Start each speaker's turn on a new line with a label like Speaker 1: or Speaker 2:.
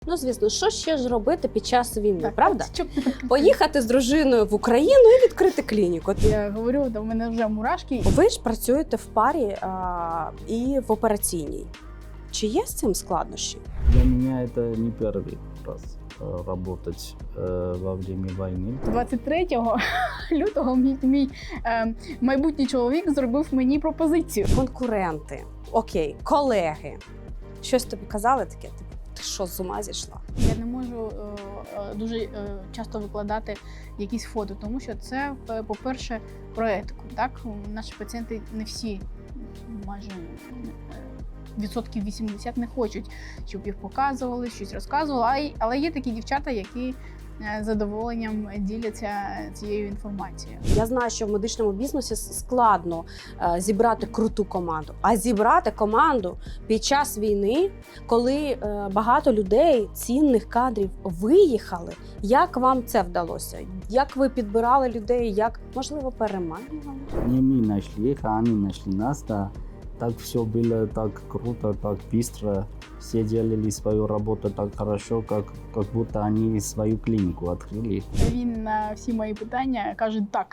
Speaker 1: Ну, звісно, що ще ж робити під час війни,
Speaker 2: Так,
Speaker 1: правда?
Speaker 2: щоб-
Speaker 1: Поїхати з дружиною в Україну і відкрити клініку.
Speaker 2: Я говорю, до мене вже мурашки.
Speaker 1: Ви ж працюєте в парі і в операційній. Чи є з цим складнощі?
Speaker 3: Для меня это не первый раз работать во время войны.
Speaker 2: 23 лютого мій майбутній чоловік зробив мені пропозицію.
Speaker 1: Конкуренти, окей, колеги. Щось тобі казали таке? Ти що, з ума зійшла?
Speaker 2: Я не можу дуже часто викладати якісь фото, тому що це, по-перше, про етику. Так? Наші пацієнти не всі, майже відсотків 80 не хочуть, щоб їх показували, щось розказували. Але є такі дівчата, які з задоволенням діляться цією інформацією.
Speaker 1: Я знаю, що в медичному бізнесі складно зібрати круту команду. А зібрати команду під час війни, коли багато людей, цінних кадрів виїхали. Як вам це вдалося? Як ви підбирали людей? Як, можливо, переманювали?
Speaker 3: Не мы нашли их, а они нашли нас. Да. Так все было так круто, так быстро. Все делали свою работу так хорошо, как будто они свою клинику открыли.
Speaker 2: Він на всі мої питання каже так.